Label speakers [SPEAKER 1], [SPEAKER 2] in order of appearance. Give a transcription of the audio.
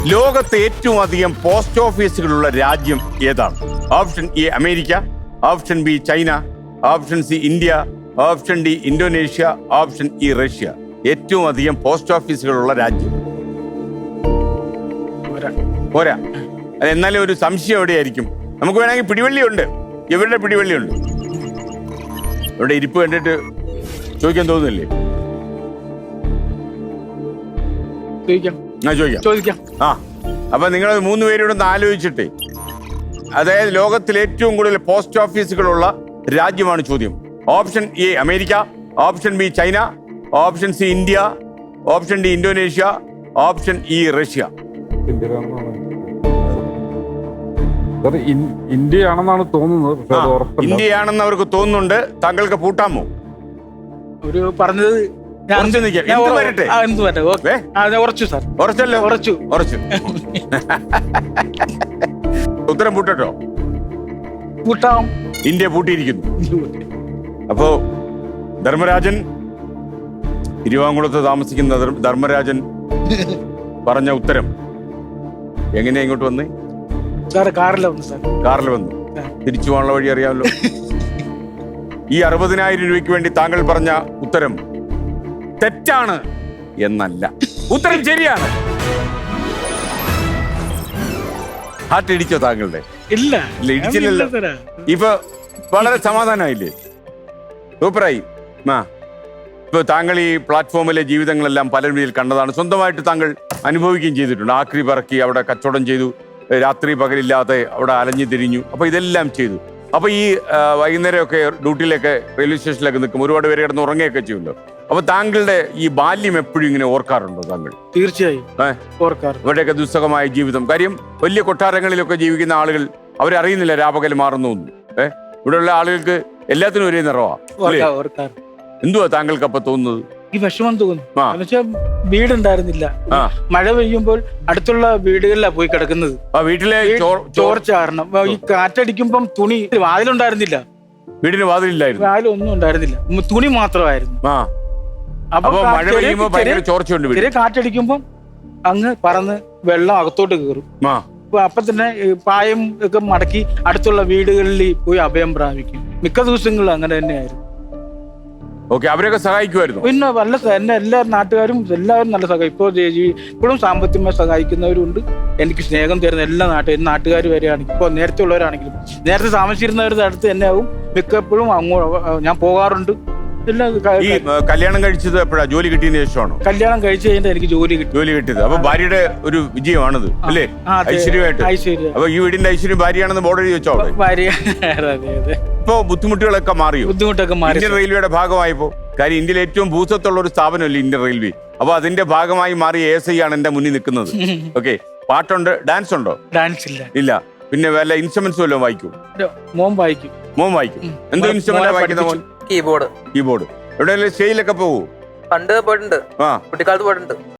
[SPEAKER 1] ലോകത്തെ ഏറ്റവും അധികം പോസ്റ്റ് ഓഫീസുകളുള്ള രാജ്യം ഏതാണ്? Option A America, option B China, option C India, option D Indonesia, option E Russia. ഏറ്റവും അധികം പോസ്റ്റ് ഓഫീസുകളുള്ള രാജ്യം പോരാ. അത് എന്നാലും ഒരു സംശയം എവിടെയായിരിക്കും? നമുക്ക് വേണമെങ്കിൽ പിടിവള്ളിയുണ്ട്. ഇവരുടെ പിടിവള്ളിയുണ്ട്. ഇവിടെ ഇരിപ്പ് കണ്ടിട്ട് ചോദിക്കാൻ തോന്നുന്നില്ലേ? ചോദിക്കാം. ആ, അപ്പൊ നിങ്ങൾ 3 പേരോട് ഒന്ന് ആലോചിച്ചിട്ടേ. അതായത് ലോകത്തിൽ ഏറ്റവും കൂടുതൽ പോസ്റ്റ് ഓഫീസുകളുള്ള രാജ്യമാണ് ചോദ്യം. Option A America, option B China, option C India, option D Indonesia, option E Russia.
[SPEAKER 2] ഇന്ത്യയാണെന്നാണ് തോന്നുന്നത്.
[SPEAKER 1] ഇന്ത്യയാണെന്ന് അവർക്ക് തോന്നുന്നുണ്ട്. താങ്കൾക്ക് പൂട്ടാമോ?
[SPEAKER 3] ഒരു പറഞ്ഞത്
[SPEAKER 1] ഉത്തരം പൂട്ടോ?
[SPEAKER 3] പൂട്ടാം.
[SPEAKER 1] ഇന്ത്യ പൂട്ടിയിരിക്കുന്നു. അപ്പോ ധർമ്മരാജൻ, തിരുവാങ്കുളത്ത് താമസിക്കുന്ന ധർമ്മരാജൻ പറഞ്ഞ ഉത്തരം എങ്ങനെയാ ഇങ്ങോട്ട് വന്നേ? കാറിൽ വന്നു. തിരിച്ചു പോകാനുള്ള വഴി അറിയാമല്ലോ. ഈ 60,000 രൂപയ്ക്ക് വേണ്ടി താങ്കൾ പറഞ്ഞ ഉത്തരം തെറ്റാണ് എന്നല്ല, ഉത്തരം ശരിയാണ്. ഹാർട്ട് ഇടിച്ചോ താങ്കളുടെ?
[SPEAKER 3] ഇല്ല,
[SPEAKER 1] ഇടിച്ചില്ലല്ലോ. ഇപ്പൊ വളരെ സമാധാനമായില്ലേ? സൂപ്പറായി. ഇപ്പൊ താങ്കൾ ഈ പ്ലാറ്റ്ഫോമിലെ ജീവിതങ്ങളെല്ലാം പല രീതിയിൽ കണ്ടതാണ്. സ്വന്തമായിട്ട് താങ്കൾ അനുഭവിക്കുകയും ചെയ്തിട്ടുണ്ട്. ആക്രി പറക്കി അവിടെ കച്ചവടം ചെയ്തു, രാത്രി പകലില്ലാതെ അവിടെ അലഞ്ഞു തിരിഞ്ഞു. അപ്പൊ ഇതെല്ലാം ചെയ്തു. അപ്പൊ ഈ വൈകുന്നേരമൊക്കെ ഡ്യൂട്ടിയിലൊക്കെ റെയിൽവേ സ്റ്റേഷനിലൊക്കെ നിൽക്കും, ഒരുപാട് പേര് കിടന്ന് ഉറങ്ങുകയൊക്കെ ചെയ്യുമല്ലോ. അപ്പൊ താങ്കളുടെ ഈ ബാല്യം എപ്പോഴും ഇങ്ങനെ ഓർക്കാറുണ്ടോ താങ്കൾ?
[SPEAKER 3] തീർച്ചയായും ഓർക്കാറുണ്ട്.
[SPEAKER 1] ഇവിടെയൊക്കെ ദുസ്സഹമായ ജീവിതം. കാര്യം വലിയ കൊട്ടാരങ്ങളിലൊക്കെ ജീവിക്കുന്ന ആളുകൾ അവരറിയുന്നില്ല രാപകൽ മാറുന്നു. ഇവിടെയുള്ള ആളുകൾക്ക് എല്ലാത്തിനും ഒരേ നിറവാ. എന്തുവാ താങ്കൾക്ക് അപ്പൊ തോന്നുന്നത്?
[SPEAKER 3] ഈ വിഷമം തോന്നുന്നു. വീടുണ്ടായിരുന്നില്ല. മഴ പെയ്യുമ്പോൾ അടുത്തുള്ള വീടുകളിലാണ് പോയി കിടക്കുന്നത്.
[SPEAKER 1] വീട്ടിലെ
[SPEAKER 3] ചോർച്ച കാരണം ഈ കാറ്റടിക്കുമ്പം തുണി വാതിലുണ്ടായിരുന്നില്ല.
[SPEAKER 1] വീടിന് വാതിലില്ലായിരുന്നു.
[SPEAKER 3] വാതിലൊന്നും ഉണ്ടായിരുന്നില്ല, തുണി മാത്രമായിരുന്നു.
[SPEAKER 1] അപ്പൊ മഴ പെയ്യുമ്പോ ഭയങ്കര ചോർച്ചയുണ്ട്.
[SPEAKER 3] ചെറിയ കാറ്റടിക്കുമ്പം അങ്ങ് പറന്ന് വെള്ളം അകത്തോട്ട് കയറും. അപ്പൊ തന്നെ പായം ഒക്കെ മടക്കി അടുത്തുള്ള വീടുകളിൽ പോയി അഭയം പ്രാപിക്കും. മിക്ക ദിവസങ്ങളിലും അങ്ങനെ തന്നെയായിരുന്നു.
[SPEAKER 1] അവരൊക്കെ സഹായിക്കുമായിരുന്നു.
[SPEAKER 3] പിന്നെ എന്നെ എല്ലാ നാട്ടുകാരും എല്ലാവരും നല്ല സഹായിക്കും. ഇപ്പോഴും സാമ്പത്തികമായി സഹായിക്കുന്നവരുണ്ട്. എനിക്ക് സ്നേഹം തരുന്ന എല്ലാ നാട്ടുകാർ വരെയാണെങ്കിലും, ഇപ്പോൾ നേരത്തെ ഉള്ളവരാണെങ്കിലും, നേരത്തെ താമസിച്ചിരുന്നവരുടെ അടുത്ത് തന്നെ ആവും മിക്കപ്പോഴും ഞാൻ പോകാറുണ്ട്.
[SPEAKER 1] ഈ കല്യാണം കഴിച്ചത് എപ്പോഴാ? ജോലി കിട്ടിയതിന് ശേഷമാണോ?
[SPEAKER 3] കല്യാണം കഴിച്ചു കഴിഞ്ഞാൽ എനിക്ക് ജോലി
[SPEAKER 1] കിട്ടിയത്. അപ്പൊ ഭാര്യയുടെ ഒരു വിജയമാണത് അല്ലേ? ഐശ്വര്യമായിട്ട്. അപ്പൊ ഈ വീടിന്റെ ഐശ്വര്യം ഭാര്യയാണെന്ന് ബോർഡ് എഴുതി വെച്ചോ? ഇപ്പൊ ബുദ്ധിമുട്ടുകളൊക്കെ മാറിയോ? ഇന്ത്യൻ റെയിൽവേയുടെ ഭാഗമായപ്പോ. കാര്യം ഇന്ത്യയിൽ ഏറ്റവും ഭൂസ്വത്തുള്ള ഒരു സ്ഥാപനമല്ലേ ഇന്ത്യൻ റെയിൽവേ. അപ്പൊ അതിന്റെ ഭാഗമായി മാറിയ ASI ആണ് എന്റെ മുന്നിൽ നിൽക്കുന്നത്. ഓക്കെ, പാട്ടുണ്ട്, ഡാൻസ് ഉണ്ടോ?
[SPEAKER 3] ഡാൻസ് ഇല്ല.
[SPEAKER 1] പിന്നെ വല്ല ഇൻസ്ട്രുമെന്റ്സ് വല്ലതും വായിക്കും?
[SPEAKER 3] മോൻ വായിക്കും.
[SPEAKER 1] എന്തോ ഇൻസ്ട്രുമെന്റ് വായിക്കുന്ന മോൻ?
[SPEAKER 4] കീബോർഡ്.
[SPEAKER 1] എവിടെയെങ്കിലും സ്റ്റേജിലൊക്കെ പോകൂ?
[SPEAKER 4] പണ്ട് പോയിട്ടുണ്ട്, കുട്ടിക്കാലത്ത് പോയിട്ടുണ്ട്.